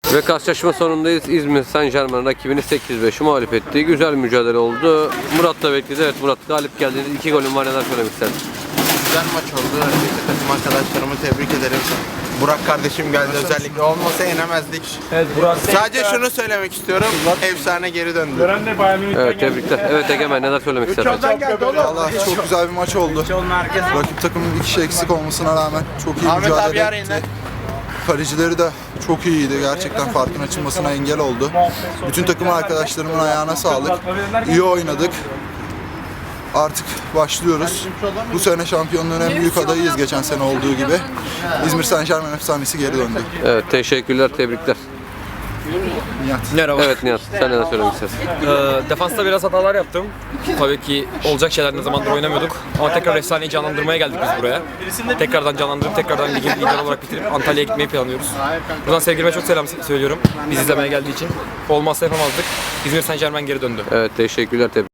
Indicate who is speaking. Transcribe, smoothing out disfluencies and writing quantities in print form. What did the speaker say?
Speaker 1: Ve karşılaşma sonundayız. İzmir Saint-Germain rakibini 8-5 mağlup etti. Güzel mücadele oldu. Murat da bekledi. Evet, Murat galip geldi. 2 golün var, neler söylemek istersin?
Speaker 2: Güzel maç oldu. Öncelikle takım arkadaşlarımı tebrik ederim. Burak kardeşim geldi özellikle. Olmasa yenemezdik.
Speaker 3: Evet, Burak.
Speaker 2: Sadece şunu söylemek istiyorum. Efsane geri döndü.
Speaker 1: Evet, tebrikler. Evet Egemen, neler söylemek istersin?
Speaker 4: Vallahi çok güzel bir maç oldu. Rakip takımın bir kişi eksik olmasına rağmen çok iyi
Speaker 2: Ahmet abi
Speaker 4: mücadele
Speaker 2: arayın
Speaker 4: etti.
Speaker 2: lan.
Speaker 4: Kalecileri de çok iyiydi. Gerçekten farkın açılmasına engel oldu. Bütün takım arkadaşlarımın ayağına sağlık. İyi oynadık. Artık başlıyoruz. Bu sene şampiyonluğun en büyük adayıyız geçen sene olduğu gibi. İzmir Saint-Germain efsanesi geri döndü.
Speaker 1: Evet, teşekkürler, tebrikler.
Speaker 4: Nihat.
Speaker 3: Merhaba.
Speaker 1: Evet Nihat, sen neler söylemek istersin?
Speaker 3: Defansta biraz hatalar yaptım. Tabii ki olacak şeyler, ne zamandır oynamıyorduk. Ama tekrar efsaneyi canlandırmaya geldik biz buraya. Tekrardan canlandırıp tekrardan ligin lider olarak bitirip Antalya'ya gitmeyi planlıyoruz. Buradan sevgilime çok selam söylüyorum. Bizi izlemeye geldiği için. Olmazsa yapamazdık. İzmir Saint-Germain geri döndü.
Speaker 1: Evet, teşekkürler, tebrikler.